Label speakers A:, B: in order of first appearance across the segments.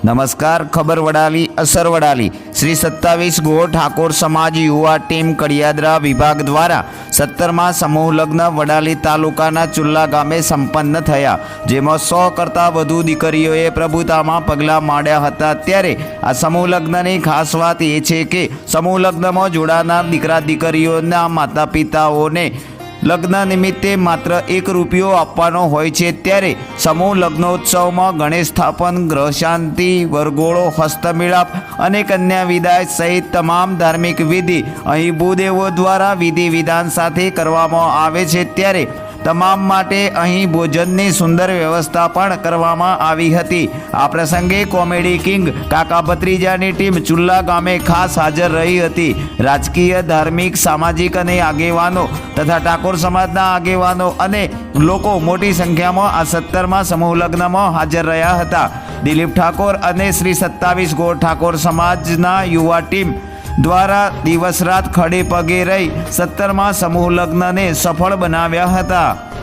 A: नमस्कार। खबर वडाली असर वडाली श्री 27 गो ठाकोर समाज युवा टीम कड़ियाद्रा विभाग द्वारा 17मा समूह लग्न वडाली तालुकाना चुल्ला गामे संपन्न थया, जेमां 100 करता वधु दीकरीओए प्रभुतामां पगला माड्या हता। त्यारे आ समूह लग्ननी खास वात ए छे के समूह लग्नमां जोडानार दीकरा दीकरीओना माता पिताओने लग्न निमित्ते मात्र 1 रूपियो आपवानो होय छे। त्यारे समूह लग्नोत्सव में गणेश स्थापन, ग्रह शांति, वरगोळो, हस्तमिलाप अने कन्या विदाय सहित तमाम धार्मिक विधि अहीं भूदेवो द्वारा विधि विधान साथे करवामां आवे छे। त्यारे तमाम माटे अहीं भोजननी सुंदर व्यवस्था पण करवामां आवी हती। आ प्रसंगे कॉमेडी किंग काका भत्रीजानी टीम चुल्ला गामे खास हाजर रही हती। राजकीय, धार्मिक, सामाजिक अने आगेवानो तथा ठाकोर समाजना आगेवानो अने लोको मोटी संख्यामां आ 17मा समूह लग्नमां हाजर रह्या हता। दिलीप ठाकोर अने श्री 27 गो ठाकोर समाजना युवा टीम द्वारा दिवस रात खड़े पगे रही 17मा समूह लग्न ने सफल बनाव्या हता।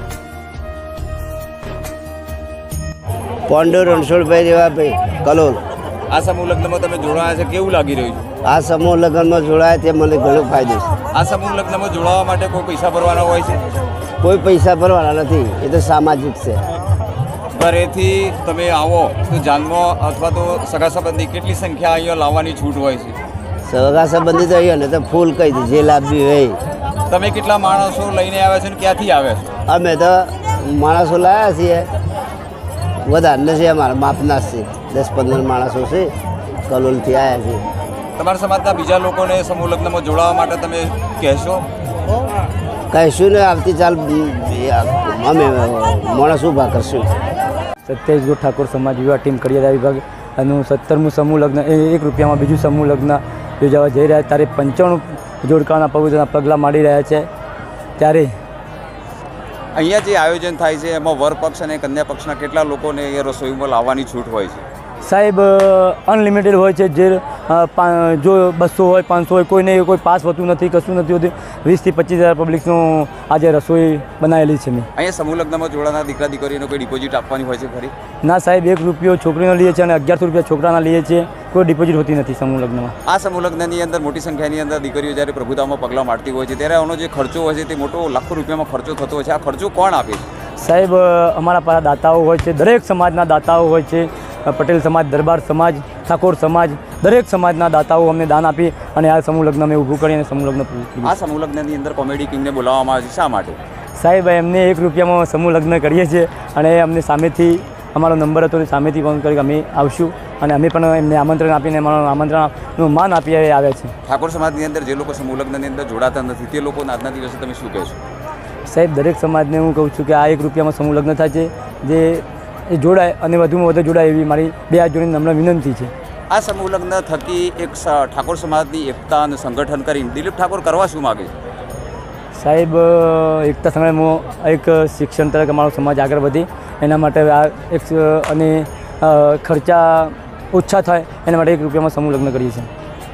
B: पोंडो रणछोड़भाई देवाभाई कलोल।
C: आ समूह लग्न में तमे जोड़ाया छे, केवुं लागी रह्युं छे?
B: आ समूह लग्न में जोड़ाया ते मने घणो फायदो छे।
C: आ समूह लग्न में जोड़वा माटे कोई पैसा भरवाना होय छे?
B: कोई पैसा भरवाना नथी, ए तो सामाजिक छे।
C: घरेथी तमे आवो तो जानमा अथवा तो सगा संबंधी केटली संख्या अहींया लाववानी छूट होय छे?
B: सगा संबंधी तो अहींया ने तो फूल कही दे जे लाभी होय।
C: तमे केटला माणसो लईने आव्या छे ने क्यांथी आव्या छो?
B: अमे तो माणसो लाया छीए, વધારે નથી અમારા માપના છે, 10-15 માણસો છે, કલોલથી આવ્યા છે।
C: તમારા સમાજના બીજા લોકોને સમૂહ લગ્નમાં જોડાવા માટે તમે કહેશો?
B: કહીશું ને આવતી ચાલ અમે માણસ ઊભા કરશું।
D: 27 ગો ઠાકોર સમાજ યુવા ટીમ કડિયાદા વિભાગ અને 17મું સમૂહ લગ્ન એ 1 રૂપિયામાં બીજું સમૂહ લગ્ન યોજાવા જઈ રહ્યા। ત્યારે 95 જોડકાના પવિત્રના પગલાં માંડી રહ્યા છે। ત્યારે
C: અહીંયા જે આયોજન થાય છે એમાં વર પક્ષ અને કન્યા પક્ષના કેટલા લોકોને એ રસોઈમાં લાવવાની છૂટ હોય છે?
D: સાહેબ અનલિમિટેડ હોય છે। જે જો 200 હોય 500 હોય, કોઈને કોઈ પાસ હોતું નથી, કશું નથી હોતું। 20 થી 25,000 પબ્લિકનું આજે રસોઈ બનાવેલી છે મેં।
C: અહીંયા સમૂહ લગ્નમાં જોડાનાર દીકરા દીકરીઓને કોઈ ડિપોઝિટ આપવાની હોય છે ખરી?
D: ના સાહેબ, 1 રૂપિયો છોકરીનો લઈએ છીએ અને 1100 રૂપિયા છોકરાના લઈએ છીએ। કોઈ ડિપોઝિટ હોતી નથી સમૂહ લગ્નમાં।
C: આ સમૂહ લગ્નની અંદર મોટી સંખ્યાની અંદર દીકરીઓ જ્યારે પ્રભુતામાં પગલાં મારતી હોય છે ત્યારે આનો જે ખર્ચો હોય છે તે મોટો લાખો રૂપિયામાં ખર્ચો થતો હોય છે। આ ખર્ચો કોણ આપે છે?
D: સાહેબ અમારા પાસે દાતાઓ હોય છે, દરેક સમાજના દાતાઓ હોય છે। પટેલ સમાજ, દરબાર સમાજ, ઠાકોર સમાજ, દરેક સમાજના દાતાઓ અમને દાન આપી અને આ સમૂહ લગ્ન અમે ઊભું કરી અને સમૂહ લગ્ન પૂરું કર્યું।
C: આ સમૂહ લગ્નની અંદર કોમેડી કિંગને બોલાવવામાં આવે છે, શા માટે?
D: સાહેબ એમને 1 રૂપિયામાં સમૂહ લગ્ન કરીએ છીએ અને અમને સામેથી અમારો નંબર હતો અને સામેથી ફોન કરી કે અમે આવશું અને અમે પણ એમને આમંત્રણ આપીને અમારું આમંત્રણનું માન આપી આવ્યા છે।
C: ઠાકોર સમાજની અંદર જે લોકો સમૂહ લગ્નની અંદર જોડાતા નથી તે લોકોના આજના દિવસે તમે શું કહેશો?
D: સાહેબ દરેક સમાજને હું કહું છું કે આ 1 રૂપિયામાં સમૂહ લગ્ન થાય છે, જે એ જોડાય અને વધુમાં વધુ જોડાય એવી મારી 2 હાથ જોડીને નમ્ર વિનંતી છે।
C: આ સમૂહ લગ્ન થકી એક ઠાકોર સમાજની એકતા અને સંગઠન કરીને દિલીપ ઠાકોર કરવા શું માગે છે?
D: સાહેબ એકતા સંગ્રામમાં એક શિક્ષણ તરફ અમારો સમાજ આગળ વધે એના માટે આ એક અને ખર્ચા ઓછા થાય એના માટે 1 રૂપિયામાં સમૂહ લગ્ન કરીએ છીએ।